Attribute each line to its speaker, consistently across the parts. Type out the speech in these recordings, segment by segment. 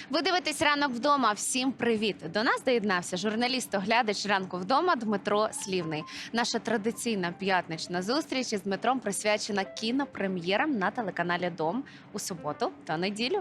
Speaker 1: Ви дивитесь «Ранок вдома». Всім привіт! До нас доєднався журналіст-оглядач «Ранку вдома» Дмитро Слівний. Наша традиційна п'ятнична зустріч із Дмитром присвячена кінопрем'єрам на телеканалі «Дом» у суботу та неділю.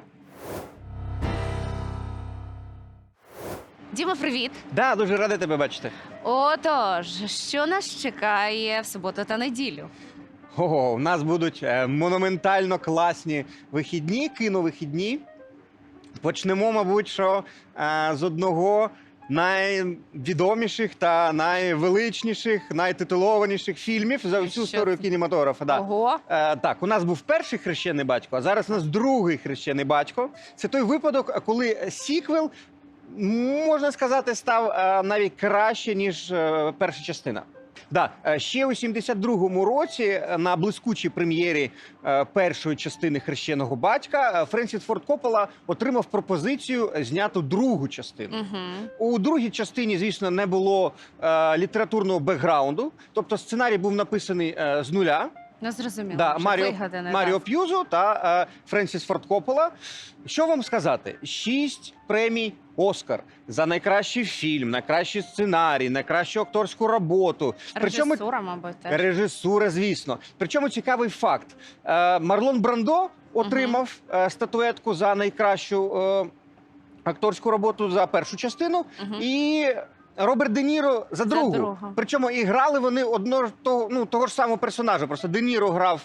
Speaker 1: Діма, привіт!
Speaker 2: Да, дуже радий тебе бачити.
Speaker 1: Отож, що нас чекає в суботу та неділю?
Speaker 2: Ого, у нас будуть монументально класні вихідні, кіновихідні. Почнемо, мабуть, що з одного найвідоміших та найвеличніших, найтитулованіших фільмів за всю історію кінематографа. Да.
Speaker 1: Ого!
Speaker 2: Так, у нас був перший хрещений батько, а зараз у нас другий хрещений батько. Це той випадок, коли сіквел, можна сказати, став навіть краще, ніж перша частина. Да, ще у 72-му році на блискучій прем'єрі першої частини «Хрещеного батька» Френсіс Форд Коппола отримав пропозицію зняти другу частину. У другій частині, звісно, не було літературного бекграунду, тобто сценарій був написаний з нуля.
Speaker 1: Не зрозуміло.
Speaker 2: Да, Маріо П'юзо та Френсіс Форд Коппола. Що вам сказати? 6 премій «Оскар» за найкращий фільм, найкращий сценарій, найкращу акторську роботу.
Speaker 1: Режисура, мабуть, теж.
Speaker 2: Режисура, звісно. Причому цікавий факт. Марлон Брандо отримав статуетку за найкращу акторську роботу за першу частину. І Роберт Де Ніро за другу. Причому і грали вони того ж самого персонажа. Просто Де Ніро грав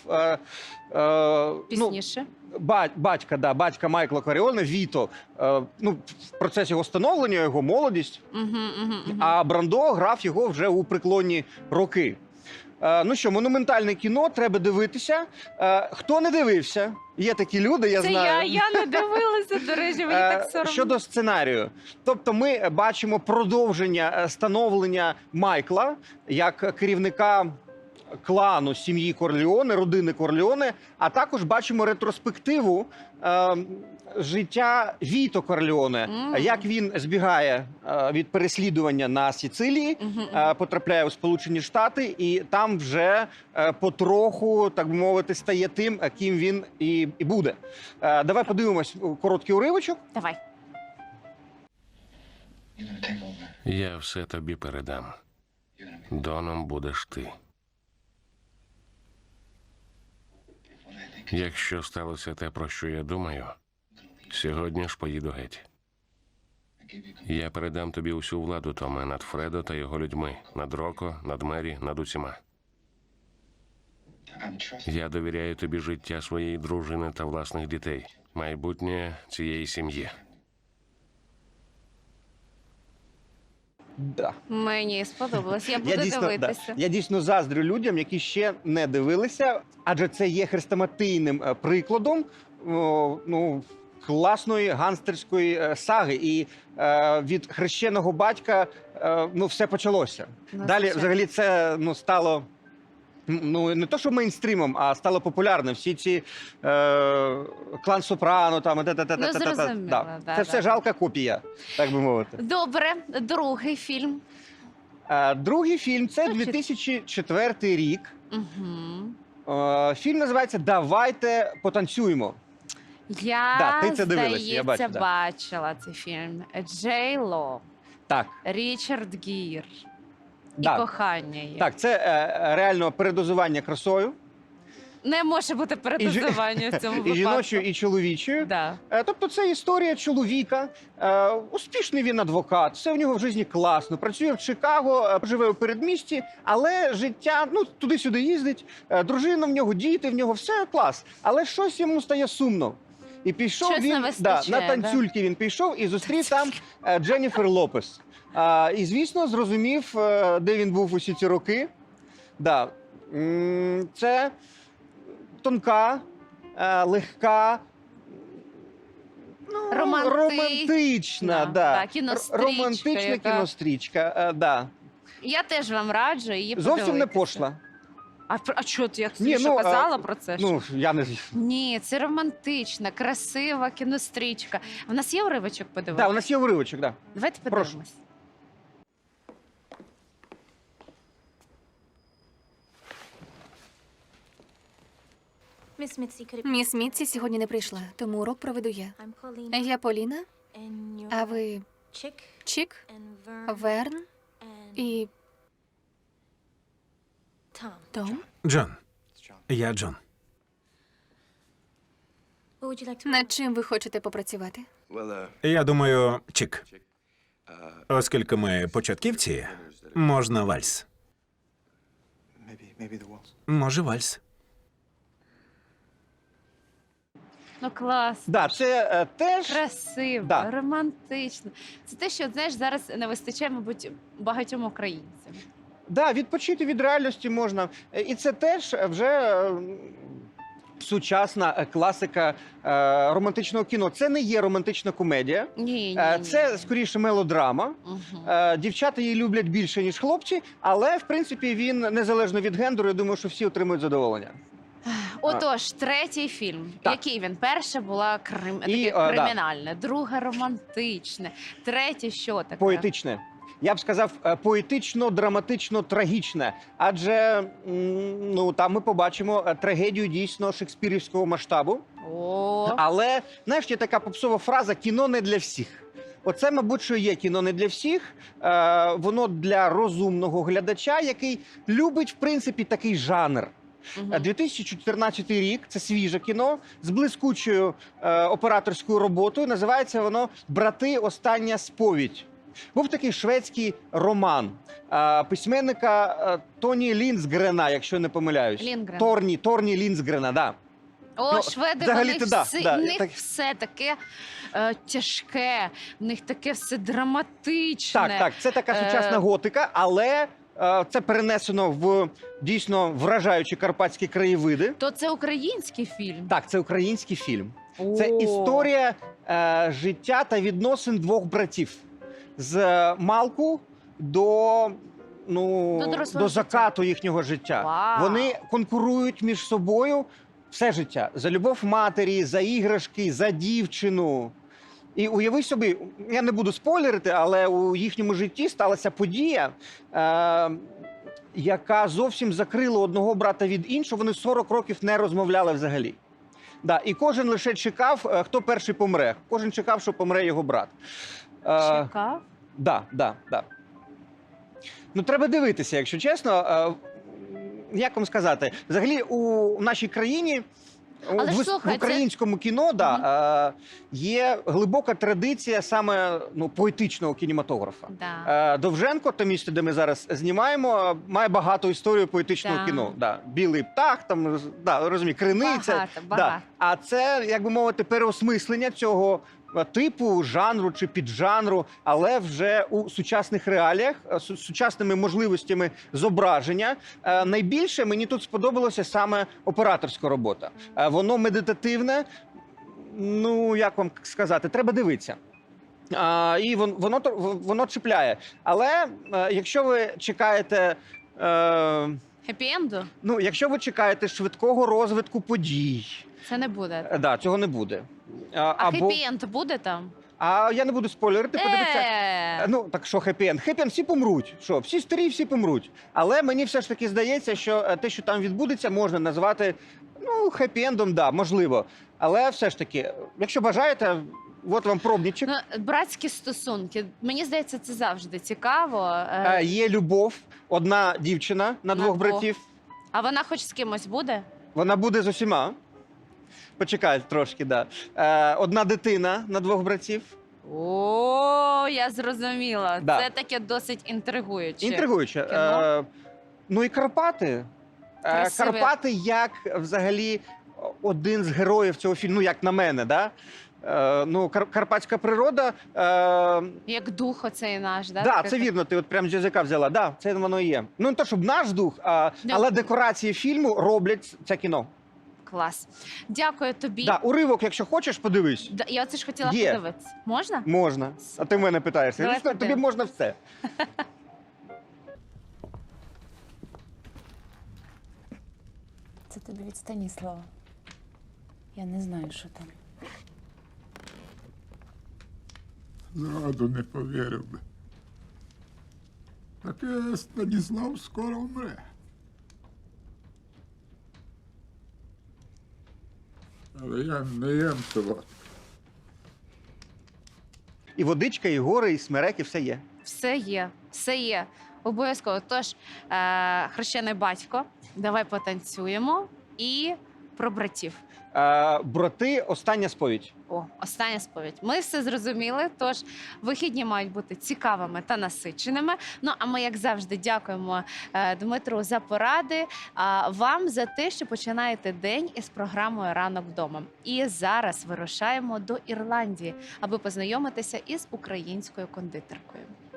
Speaker 1: пізніше.
Speaker 2: Батька Майкла Коріона, Віто, в процесі його становлення, його молодість, а Брандо грав його вже у преклонні роки. Ну що, монументальне кіно, треба дивитися. Хто не дивився? Є такі люди, я знаю.
Speaker 1: Я не дивилася, до речі, мені так соромно.
Speaker 2: Щодо сценарію. Тобто ми бачимо продовження становлення Майкла як керівника клану сім'ї Корлеоне, родини Корлеоне, а також бачимо ретроспективу життя Віто Корлеоне, як він збігає від переслідування на Сицилії, потрапляє у Сполучені Штати і там вже потроху, так би мовити, стає тим, ким він і буде. Давай подивимось короткий уривочок.
Speaker 1: Давай.
Speaker 3: Я все тобі передам. Доном будеш ти. Якщо сталося те, про що я думаю, сьогодні ж поїду геть. Я передам тобі усю владу, Томе, над Фредо та його людьми, над Роко, над Мері, над усіма. Я довіряю тобі життя своєї дружини та власних дітей, майбутнє цієї сім'ї.
Speaker 2: Да.
Speaker 1: Мені сподобалось, я буду дивитися.
Speaker 2: Я дійсно заздрю людям, які ще не дивилися, адже це є хрестоматійним прикладом класної гангстерської саги. І від хрещеного батька все почалося. Далі взагалі це стало не то, що мейнстрімом, а стало популярним. Всі ці клан Сопрано, це все жалка копія, так би мовити.
Speaker 1: Добре, другий фільм.
Speaker 2: Другий фільм – це 2004 рік. Фільм називається «Давайте потанцюємо».
Speaker 1: Я,
Speaker 2: ти це дивилась, я бачу,
Speaker 1: бачила цей фільм. Джей Ло, Річард Гір. І кохання є.
Speaker 2: Так, це реально передозування красою.
Speaker 1: Не може бути передозування в цьому випадку.
Speaker 2: І жіночою, і чоловічою. Тобто це історія чоловіка. Успішний він адвокат, все в нього в житті класно. Працює в Чикаго, живе у передмісті, але життя, туди-сюди їздить. Дружина в нього, діти в нього, все клас. Але щось йому стає сумно. І пішов він, на танцюльки він пішов і зустрів там Дженніфер Лопес. І, звісно, зрозумів, де він був усі ці роки. Це тонка, легка, романтична кінострічка.
Speaker 1: Я теж вам раджу її подивитися.
Speaker 2: Зовсім не пошла.
Speaker 1: А що ти, як Сюша казала про це?
Speaker 2: Я не...
Speaker 1: Ні, це романтична, красива кінострічка. У нас є уривочок подивитися?
Speaker 2: Так, у нас є уривочок, так.
Speaker 1: Давайте подивимось.
Speaker 4: Міс Мітсі сьогодні не прийшла, тому урок проведу я. Я Поліна, А ви Чік, Верн і Том?
Speaker 5: Джон. Я Джон.
Speaker 4: Над чим ви хочете попрацювати?
Speaker 5: Я думаю, Чік. Оскільки ми початківці, можна вальс. Може, вальс.
Speaker 1: Ну клас.
Speaker 2: Да, це теж
Speaker 1: Красиво,
Speaker 2: Да.
Speaker 1: романтично. Це те, що знаєш, зараз не вистачає, мабуть, багатьом українцям.
Speaker 2: да, відпочити від реальності можна. І це теж вже сучасна класика романтичного кіно. Це не є романтична комедія.
Speaker 1: Ні.
Speaker 2: Це скоріше мелодрама.
Speaker 1: Угу.
Speaker 2: Дівчата її люблять більше, ніж хлопці, але в принципі він незалежно від гендеру. Я думаю, що всі отримують задоволення.
Speaker 1: Отож, третій фільм.
Speaker 2: Так.
Speaker 1: Який він? Перша була таке
Speaker 2: да.
Speaker 1: кримінальне, друге романтичне, третє що таке?
Speaker 2: Поетичне. Я б сказав, поетично, драматично, трагічне. Адже ну там ми побачимо трагедію дійсно шекспірівського масштабу.
Speaker 1: О,
Speaker 2: Але знаєш, є така попсова фраза кіно не для всіх. Оце, мабуть, що є кіно не для всіх. Воно для розумного глядача, який любить, в принципі, такий жанр.
Speaker 1: мгм.
Speaker 2: 2014 рік, це свіже кіно з блискучою операторською роботою. Називається воно «Брати. Остання сповідь». Був такий шведський роман письменника Тоні Ліндсгрена, якщо не помиляюсь.
Speaker 1: Ліндгрен.
Speaker 2: Торні Ліндсгрена, да.
Speaker 1: О,
Speaker 2: Ну,
Speaker 1: шведи,
Speaker 2: взагалі-то
Speaker 1: вони
Speaker 2: да,
Speaker 1: всі,
Speaker 2: да,
Speaker 1: в них
Speaker 2: так.
Speaker 1: все таке тяжке, в них таке все драматичне.
Speaker 2: Так, це така сучасна готика, але це перенесено в дійсно вражаючі карпатські краєвиди.
Speaker 1: То це український фільм?
Speaker 2: Так, це український фільм. Це
Speaker 1: О.
Speaker 2: історія життя та відносин двох братів з малку до,
Speaker 1: До дорослого
Speaker 2: до закату їхнього життя.
Speaker 1: Вау.
Speaker 2: Вони конкурують між собою все життя за любов матері, за іграшки, за дівчину. І уяви собі, я не буду спойлерити, але у їхньому житті сталася подія, яка зовсім закрила одного брата від іншого. Вони 40 років не розмовляли взагалі. Да, і кожен лише чекав, хто перший помре. Кожен чекав, що помре його брат.
Speaker 1: Чекав?
Speaker 2: Да. Ну, треба дивитися, якщо чесно. Як вам сказати? Взагалі, у нашій країні,
Speaker 1: Але ж,
Speaker 2: в
Speaker 1: слухай,
Speaker 2: українському кіно, є глибока традиція саме поетичного кінематографа.
Speaker 1: Да.
Speaker 2: Довженко, те місце, де ми зараз знімаємо, має багато історію поетичного
Speaker 1: Да.
Speaker 2: кіно. Да. Білий птах, там, розумію, криниця.
Speaker 1: Багато.
Speaker 2: Да. А це, як би мовити, переосмислення цього типу жанру чи піджанру, але вже у сучасних реаліях, з сучасними можливостями зображення. Найбільше мені тут сподобалося саме операторська робота. Воно медитативне, ну, як вам сказати, треба дивитися. І воно чіпляє. Але якщо ви чекаєте...
Speaker 1: Хеппі-енду?
Speaker 2: Ну, якщо ви чекаєте швидкого розвитку подій,
Speaker 1: Це не буде.
Speaker 2: да, цього не буде.
Speaker 1: А хеппі-енд буде там?
Speaker 2: А я не буду спойлерити, подивіться.
Speaker 1: Ну,
Speaker 2: Ну, так що хеппі-енд? Хеппі-енд всі помруть. Що, всі старі, всі помруть. Але мені все ж таки здається, що те, що там відбудеться, можна назвати, хеппі-ендом, да, можливо. Але все ж таки, якщо бажаєте, от вам пробничок.
Speaker 1: братські стосунки. Мені здається, це завжди цікаво.
Speaker 2: Є любов, одна дівчина на
Speaker 1: На
Speaker 2: двох
Speaker 1: двох.
Speaker 2: братів.
Speaker 1: А вона хоч з кимось буде?
Speaker 2: Вона буде з усіма. Почекай трошки, да. Одна дитина на двох братів.
Speaker 1: О, я зрозуміла.
Speaker 2: Да.
Speaker 1: Це таке досить інтригуюче.
Speaker 2: Інтригуюче.
Speaker 1: кіно.
Speaker 2: Ну і Карпати.
Speaker 1: Красиве.
Speaker 2: Карпати як взагалі один з героїв цього фільму, ну як на мене, да? Карпатська природа.
Speaker 1: Як дух оцей наш, да?
Speaker 2: Да,
Speaker 1: Таке-
Speaker 2: це вірно, ти от прям з язика взяла. Да, це воно і є. Ну не то, щоб наш дух, але декорації фільму роблять це кіно.
Speaker 1: Клас. Дякую тобі.
Speaker 2: Да, уривок, якщо хочеш, подивись.
Speaker 1: Я оце ж хотіла
Speaker 2: Є.
Speaker 1: подивитися. Можна?
Speaker 2: Можна. А ти в мене питаєшся.
Speaker 1: Давай
Speaker 2: Звісно, тобі
Speaker 1: подивимось.
Speaker 2: можна все.
Speaker 6: Це тобі від Станіслава. Я не знаю, що там.
Speaker 7: Зраду не повірив би. Таке Станіслав скоро вмре. Але я не єм солодке.
Speaker 2: І водичка, і гори, і смереки, все є.
Speaker 1: Все є, все є. Обов'язково. Тож, хрещений батько, давай потанцюємо і про братів.
Speaker 2: Брати, остання сповідь.
Speaker 1: О, остання сповідь. Ми все зрозуміли. Тож вихідні мають бути цікавими та насиченими. Ну а ми, як завжди, дякуємо Дмитру за поради. А вам за те, що починаєте день із програмою Ранок вдома. І зараз вирушаємо до Ірландії, аби познайомитися із українською кондитеркою.